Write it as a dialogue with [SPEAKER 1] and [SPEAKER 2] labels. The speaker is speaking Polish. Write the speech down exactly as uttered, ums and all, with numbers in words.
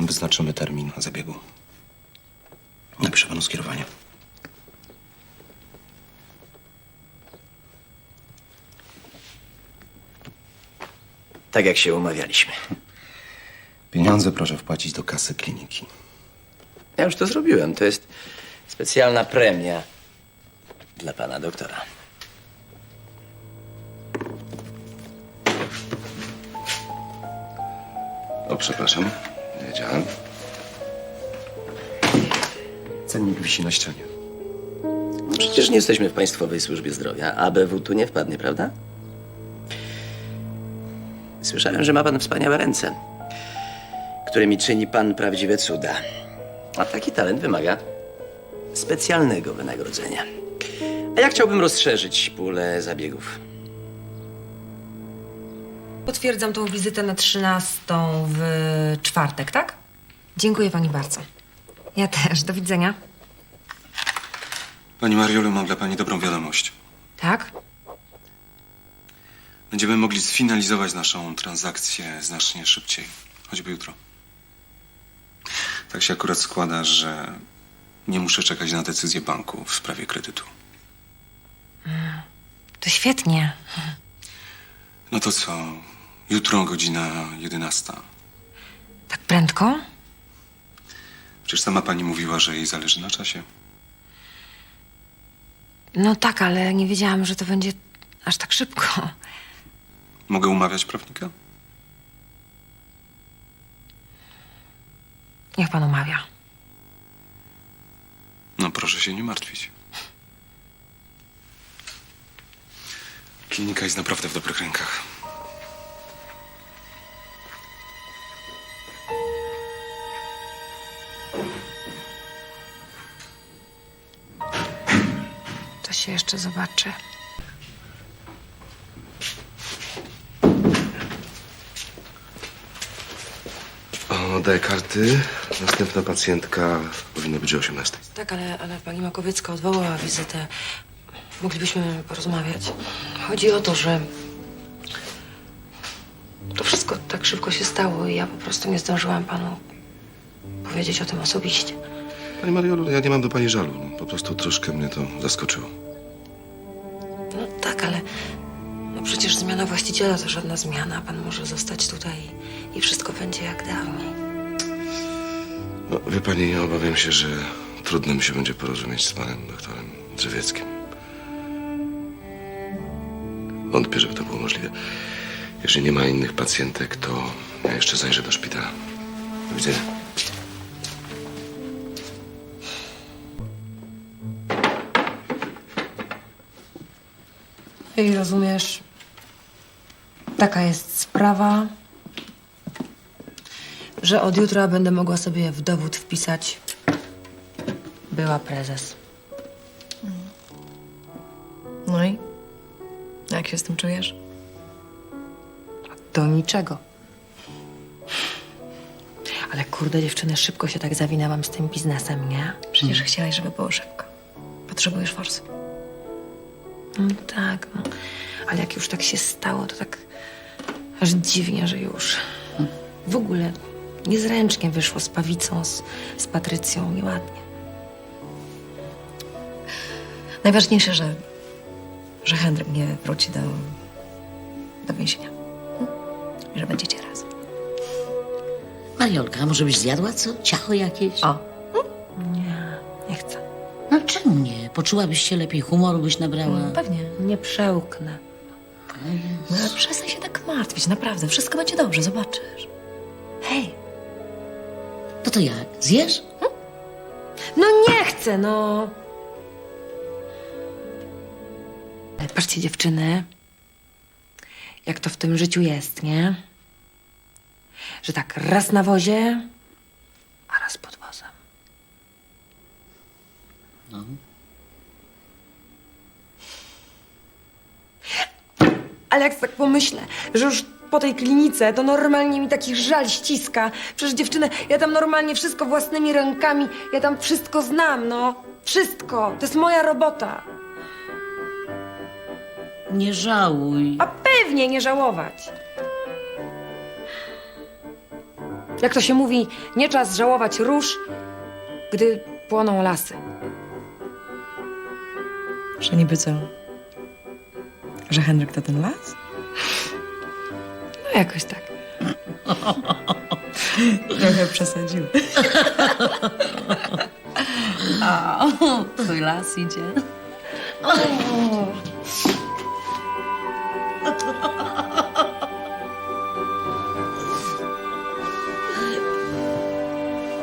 [SPEAKER 1] wyznaczymy termin zabiegu. Napiszę panu skierowanie.
[SPEAKER 2] Tak jak się umawialiśmy.
[SPEAKER 1] Pieniądze proszę wpłacić do kasy kliniki.
[SPEAKER 2] Ja już to zrobiłem. To jest specjalna premia dla pana doktora.
[SPEAKER 1] O, przepraszam. Nie wiedziałem. Cennik wisi na ścianie.
[SPEAKER 2] No przecież nie jesteśmy w Państwowej Służbie Zdrowia. A B W tu nie wpadnie, prawda? Słyszałem, że ma pan wspaniałe ręce, którymi czyni pan prawdziwe cuda. A taki talent wymaga specjalnego wynagrodzenia. A ja chciałbym rozszerzyć pulę zabiegów.
[SPEAKER 3] Potwierdzam tą wizytę na trzynastą w czwartek, tak? Dziękuję pani bardzo. Ja też. Do widzenia.
[SPEAKER 4] Pani Mariolu, mam dla pani dobrą wiadomość.
[SPEAKER 3] Tak?
[SPEAKER 4] Będziemy mogli sfinalizować naszą transakcję znacznie szybciej. Choćby jutro. Tak się akurat składa, że nie muszę czekać na decyzję banku w sprawie kredytu.
[SPEAKER 3] To świetnie.
[SPEAKER 4] No to co? Jutro godzina jedenasta.
[SPEAKER 3] Tak prędko?
[SPEAKER 4] Przecież sama pani mówiła, że jej zależy na czasie.
[SPEAKER 3] No tak, ale nie wiedziałam, że to będzie aż tak szybko.
[SPEAKER 4] Mogę umawiać prawnika?
[SPEAKER 3] Niech pan umawia.
[SPEAKER 4] No proszę się nie martwić. Klinika jest naprawdę w dobrych rękach.
[SPEAKER 3] To się jeszcze zobaczy.
[SPEAKER 5] Oddaję karty. Następna pacjentka powinna być o osiemnastej.
[SPEAKER 3] Tak, ale, ale pani Makowiecka odwołała wizytę. Moglibyśmy porozmawiać. Chodzi o to, że to wszystko tak szybko się stało i ja po prostu nie zdążyłam panu powiedzieć o tym osobiście.
[SPEAKER 5] Pani Mariolu, ja nie mam do pani żalu. Po prostu troszkę mnie to zaskoczyło.
[SPEAKER 3] No tak, ale no przecież zmiana właściciela to żadna zmiana. Pan może zostać tutaj i wszystko będzie jak dawniej.
[SPEAKER 5] No, wie pani, ja obawiam się, że trudno mi się będzie porozumieć z panem doktorem Drzewieckim. Wątpię, żeby to było możliwe. Jeżeli nie ma innych pacjentek, to ja jeszcze zajrzę do szpitala. Do widzenia.
[SPEAKER 3] I rozumiesz, taka jest sprawa, że od jutra będę mogła sobie w dowód wpisać była prezes.
[SPEAKER 6] No i? Jak się z tym czujesz?
[SPEAKER 3] Do niczego. Ale kurde, dziewczyny, szybko się tak zawinęłam z tym biznesem, nie?
[SPEAKER 6] Przecież chciałaś, żeby było szybko. Potrzebujesz forsy.
[SPEAKER 3] No tak, no. Ale jak już tak się stało, to tak aż dziwnie, że już. W ogóle niezręcznie wyszło z Pawicą, z, z Patrycją, nieładnie.
[SPEAKER 6] Najważniejsze, że, że Henryk nie wróci do, do więzienia. Hm? I że będziecie razem.
[SPEAKER 7] Mariolka, może byś zjadła co? Ciacho jakieś?
[SPEAKER 6] O,
[SPEAKER 3] Nie, nie chcę.
[SPEAKER 7] No czemu nie? Poczułabyś się lepiej, humoru byś nabrała.
[SPEAKER 6] pewnie.
[SPEAKER 3] Nie przełknę.
[SPEAKER 6] No ale przestań się tak martwić, naprawdę. Wszystko będzie dobrze, zobaczysz. Hej,
[SPEAKER 7] No to jak? Zjesz?
[SPEAKER 3] No nie chcę, no. Ale patrzcie, dziewczyny, jak to w tym życiu jest, nie? Że tak raz na wozie, a raz pod wozem.
[SPEAKER 7] No.
[SPEAKER 3] Ale jak tak pomyślę, że już po tej klinice to normalnie mi taki żal ściska. Przecież dziewczyny, ja tam normalnie wszystko własnymi rękami, ja tam wszystko znam, no. Wszystko. To jest moja robota.
[SPEAKER 7] Nie żałuj.
[SPEAKER 3] A pewnie nie żałować. Jak to się mówi, nie czas żałować róż, gdy płoną lasy.
[SPEAKER 6] Że niby co? Że Henryk to ten las?
[SPEAKER 3] No jakoś tak.
[SPEAKER 6] Trochę przesadził.
[SPEAKER 7] Twój las idzie.